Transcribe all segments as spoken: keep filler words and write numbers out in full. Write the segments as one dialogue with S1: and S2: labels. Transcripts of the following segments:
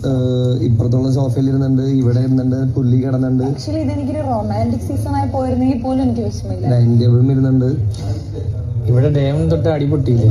S1: ഇപ്പുറത്തുള്ള സോഫയിൽ ഇരുന്നുണ്ട്, ഇവിടെ ഇരുന്നുണ്ട്, പുല്ലി കിടന്നുണ്ട്.
S2: ആക്ച്വലി ഇതെനിക്കൊരു റൊമാൻറ്റിക് സീസൺ ആയി പോയിരുന്നെങ്കിൽ പോലും എനിക്ക് വിഷമില്ല.
S1: ഡൈനിങ് ടേബിളും ഇരുന്നുണ്ട്.
S3: ഇവിടെ ഡേം തൊട്ട് അടിപൊട്ടിയില്ലേ?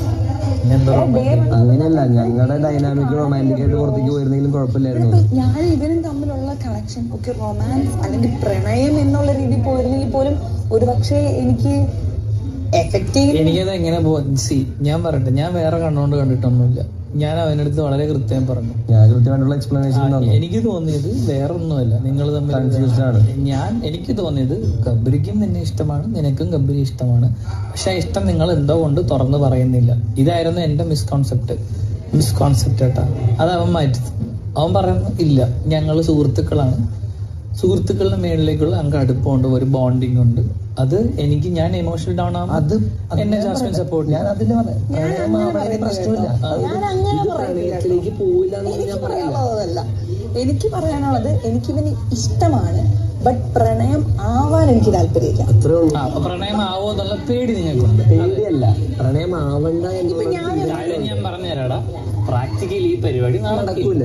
S1: അങ്ങനെയല്ല, ഞങ്ങളുടെ ഡൈനാമിക് റൊമാൻറ്റിക് ആയിട്ട് പുറത്തേക്ക് പോയിരുന്നെങ്കിലും കുഴപ്പമില്ലായിരുന്നു.
S2: ഞാൻ ഇവരും തമ്മിലുള്ള കണക്ഷൻ ഒക്കെ റൊമാൻസ് അല്ലെങ്കിൽ പ്രണയം എന്നുള്ള രീതിയിൽ പോയിരുന്നെങ്കിൽ പോലും ഒരു പക്ഷേ എനിക്ക് എഫക്ട് ചെയ്യും.
S3: എനിക്കത് എങ്ങനെ പോ സി ഞാൻ പറയട്ടെ, ഞാൻ വേറെ കണ്ണുകൊണ്ട് കണ്ടിട്ടൊന്നുമില്ല. ഞാൻ അവനടുത്ത് വളരെ കൃത്യം പറഞ്ഞു.
S1: ഞാൻ കൃത്യമായിട്ടുള്ള എക്സ്പ്ലനേഷൻ.
S3: എനിക്ക് തോന്നിയത് വേറെ ഒന്നുമല്ല, നിങ്ങൾ തമ്മിൽ
S1: കൺഫ്യൂസ്ഡ് ആണ്.
S3: ഞാൻ എനിക്ക് തോന്നിയത് ഗബ്രിക്കും നിന്നെ ഇഷ്ടമാണ്, നിനക്കും ഗബ്രി ഇഷ്ടമാണ്. പക്ഷെ ഇഷ്ടം നിങ്ങൾ എന്തോ കൊണ്ട് തുറന്ന് പറയുന്നില്ല. ഇതായിരുന്നു എന്റെ മിസ്കോൺസെപ്റ്റ്. മിസ്കോൺസെപ്റ്റ് കേട്ടാ, അത് അവൻ മാറ്റി. അവൻ പറയുന്നു ഇല്ല, ഞങ്ങൾ സുഹൃത്തുക്കളാണ്, സുഹൃത്തുക്കളുടെ മേളിലേക്കുള്ള ഞങ്ങൾക്ക് അടുപ്പമുണ്ട്, ഒരു ബോണ്ടിങ് ഉണ്ട്. അത് എനിക്ക് ഞാൻ ഇമോഷണൽ ഡൗൺ ആവും, അത് എന്നെ ജാസ്മിൻ സപ്പോർട്ട്.
S1: ഞാൻ അതിന് പ്രശ്നമില്ല, പ്രണയത്തിലേക്ക് പോവില്ല എന്ന് ഞാൻ
S2: പറയാനുള്ളതല്ല. എനിക്ക് പറയാനുള്ളത് എനിക്കിവന് ഇഷ്ടമാണ്, ബട്ട് പ്രണയം ആവാൻ എനിക്ക് താല്പര്യമില്ല.
S1: അത്രേ ഉള്ളൂ.
S3: പ്രണയം ആവോ എന്നുള്ള പേടി നിങ്ങൾക്കുണ്ട്.
S1: പേടിയല്ല, പ്രണയം ആവണ്ട എന്ന്
S3: ഞാൻ പറഞ്ഞുതരാടാ. പ്രാക്ടിക്കലി ഈ പരിപാടി നടക്കില്ല.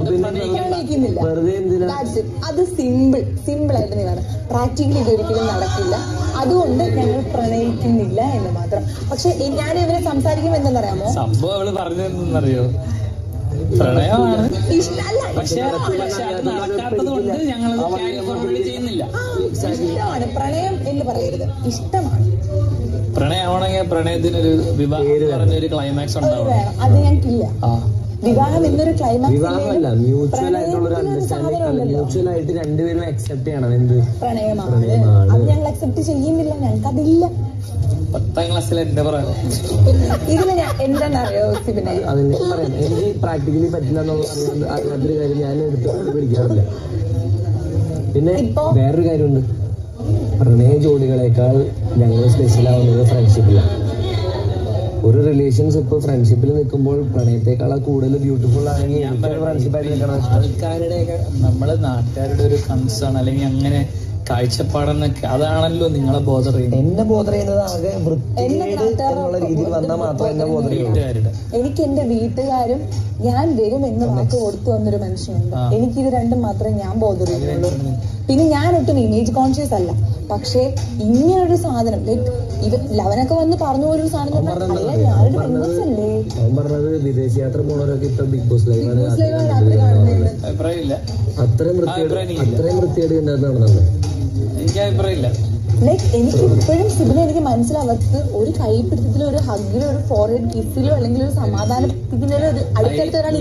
S1: വെറുതെ എന്തിനാ?
S2: അത് സിമ്പിൾ സിമ്പിൾ ആയിട്ട് നീ പറയാം. പ്രാക്ടിക്കലി ഇതൊരിക്കലും നടക്കില്ല, അതുകൊണ്ട് ഞങ്ങൾ പ്രണയിക്കുന്നില്ല എന്ന് മാത്രം. പക്ഷെ ഞാൻ ഇവരെ സംസാരിക്കുമ്പോൾ എന്തെന്നറിയാമോ,
S3: സംഭവം അവള് പറഞ്ഞതെന്നറിയോ, പ്രണയമാണ് പക്ഷെ അത് നടക്കാത്തത് കൊണ്ട് ഞങ്ങൾ ചെയ്യുന്നില്ല.
S2: ഇഷ്ടമാണ് പ്രണയം എന്ന് പറയരുത്, ഇഷ്ടമാണ്.
S3: പ്രണയമാണെങ്കിൽ പ്രണയത്തിനൊരു വിവാഹം പറഞ്ഞൊരു ക്ലൈമാക്സ് ഉണ്ടാവും.
S2: അത് ഞങ്ങൾക്കില്ല. വിവാഹം എന്നൊരു ക്ലൈമാക്സ്
S1: വിവാഹമല്ല, മ്യൂച്വൽ ആയിട്ടുള്ള ഒരു അണ്ടർസ്റ്റാൻഡിംഗ് അല്ല, മ്യൂച്വൽ ആയിട്ട് രണ്ടുപേരും അക്സെപ്റ്റ് ചെയ്യണം എന്ത്
S2: പ്രണയമാണ്. അത് ഞങ്ങൾ അക്സെപ്റ്റ് ചെയ്യുന്നില്ല, ഞങ്ങൾക്ക് അതില്ല.
S3: പത്താം ക്ലാസ്സിൽ എന്റെ പറയാം
S2: ഇതിന് ഞാൻ എന്താണെന്നറിയോ സിബിനെ,
S1: അതിന് പറയാം. എനിക്ക് പ്രാക്ടിക്കലി പറ്റില്ല എന്നുള്ള അറിയാത്തൊരു കാര്യം ഞാൻ എടുത്ത് പിടിക്കാറില്ല. പിന്നെ വേറൊരു കാര്യമുണ്ട്, പ്രണയ ജോഡികളെക്കാൾ ഞങ്ങൾ സ്പെഷ്യൽ ആവുന്നത് ഫ്രണ്ട്ഷിപ്പിലാണ്. ഒരു റിലേഷൻഷിപ്പ് ഫ്രണ്ട്ഷിപ്പിൽ നിൽക്കുമ്പോൾ പ്രണയത്തെക്കാൾ കൂടുതൽ ബ്യൂട്ടിഫുൾ ആണെങ്കിൽ ഫ്രണ്ട്ഷിപ്പായിട്ട് നിൽക്കണം.
S3: ആൾക്കാരുടെ നമ്മളെ നാട്ടുകാരുടെ ഒരു കൺസേൺ അല്ലെങ്കിൽ അങ്ങനെ കാഴ്ചപ്പാടെന്നൊക്കെ അതാണല്ലോ നിങ്ങളെ ബോധർ ചെയ്യുന്നത്.
S1: എന്നെ ബോധർ ചെയ്യുന്നത് ആകെ വൃത്തികേട് എന്നുള്ള രീതിയിൽ വന്നാൽ മാത്രം എന്നെ ബോധർ
S3: വീട്ടുകാരുടെ.
S2: എനിക്ക് എന്റെ വീട്ടുകാരും ഞാൻ വരും എന്ന് വാക്ക് കൊടുത്തു വന്നൊരു മനുഷ്യനുണ്ട്. എനിക്കിത് രണ്ടും മാത്രമേ ഞാൻ ബോധർ ചെയ്യുന്നുള്ളൂ. പിന്നെ ഞാൻ ഒട്ടും ഇമേജ് കോൺഷ്യസ് അല്ല, പക്ഷെ ഇങ്ങനൊരു സാധനം ലൈക്ക് ഇത് ലവനൊക്കെ വന്ന് പറഞ്ഞു പോലൊരു സാധനം ഞാനൊരു പെൺകുച്ചല്ലേ.
S1: അവൻ പറഞ്ഞത് വിദേശ യാത്ര പോണവരൊക്കെ ഇപ്പൊ ബിഗ് ബോസ് ലൈവ്
S3: അഭിപ്രായമില്ല.
S1: അത്രയും വൃത്തിയേട് അത്രയും വൃത്തിയേട് ഉണ്ടായിരുന്നു നടന്നത്.
S3: എനിക്ക് അഭിപ്രായമില്ല.
S2: ലൈക്ക് എനിക്ക് ഇപ്പോഴും സിബിനെ എനിക്ക് മനസ്സിലാവത്ത് ഒരു കൈപ്പിടുത്തത്തിലോ ഒരു ഹഗിലോ ഒരു ഫോർഹെഡ് കിസ്സിലോ അല്ലെങ്കിൽ ഒരു സമാധാനത്തിലോ ഒരു അടുത്തടുത്ത ഒരാൾ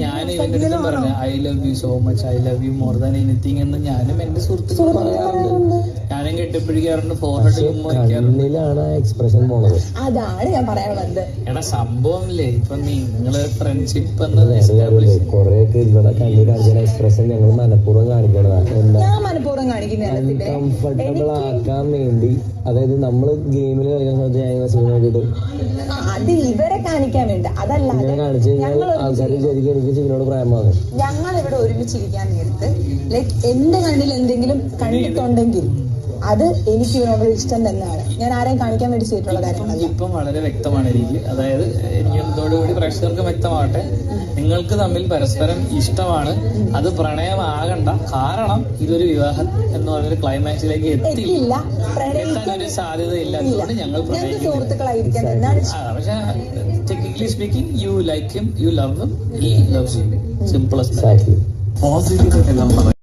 S3: I love you so much, I love you more than anything എന്ന് ഞാനും എന്റെ സുഹൃത്തുക്കൾ പറയാറുണ്ട്. ഞാനും കെട്ടിപ്പിടിക്കാറുണ്ട്, ഫോർഹെഡ്
S1: കണ്ണിലാണ് എക്സ്പ്രഷൻ പോണത്.
S2: അതാണ് ഞാൻ പറയാൻ വന്നത്.
S3: എടാ സംഭവം ഇല്ലേ, ഇപ്പൊ നിങ്ങള് ഫ്രണ്ട്ഷിപ്പ്
S1: കൊറേയൊക്കെ ഇവിടെ കണ്ണി കാണിക്കുന്ന എക്സ്പ്രഷൻ ഞങ്ങൾ മനഃപൂർവ്വം കാണിക്കണതാണ്.
S2: ഞാൻ മനഃപൂർവ്വം കാണിക്കുന്ന
S1: കംഫർട്ടബിൾ ആക്കാൻ വേണ്ടി, അതായത് നമ്മള് ഗെയിമിൽ കളിക്കുന്ന സമയത്ത് നോക്കിയിട്ട്
S2: അത് ഇവരെ കാണിക്കാൻ വേണ്ട, അതല്ല
S1: കാണിച്ചു കഴിഞ്ഞാൽ ആൾക്കാർ ശരിക്കും എനിക്ക് സിനിമയോട് പ്രായമാകും.
S2: ഞങ്ങൾ ഇവിടെ ഒരുമിച്ചിരിക്കാൻ നേരത്ത് ലൈക്ക് എന്റെ കണ്ണിൽ എന്തെങ്കിലും കണ്ടിട്ടുണ്ടെങ്കിൽ അത് എനിക്ക് ഇവരോട് ഇഷ്ടം തന്നെയാണ്. ഞാൻ ആരെയും കാണിക്കാൻ വേണ്ടി ചെയ്തിട്ടുള്ള കാര്യങ്ങളല്ല.
S3: ഇപ്പം വളരെ വ്യക്തമാണ് എനിക്ക്, അതായത് എനിക്ക് ഇതോടുകൂടി പ്രേക്ഷകർക്ക് വ്യക്തമാവട്ടെ, നിങ്ങൾക്ക് തമ്മിൽ പരസ്പരം ഇഷ്ടമാണ്. അത് പ്രണയമാകണ്ട, കാരണം ഇതൊരു വിവാഹം എന്ന് പറഞ്ഞൊരു ക്ലൈമാക്സിലേക്ക് എത്തിയില്ല, എത്താനൊരു സാധ്യത ഇല്ലാത്തതുകൊണ്ട് ഞങ്ങൾ
S2: സുഹൃത്തുക്കളായിരിക്കാൻ തന്നെയാണ്.
S3: പക്ഷെ technically speaking you like him, you love him, he loves you. Simple.
S1: Exactly.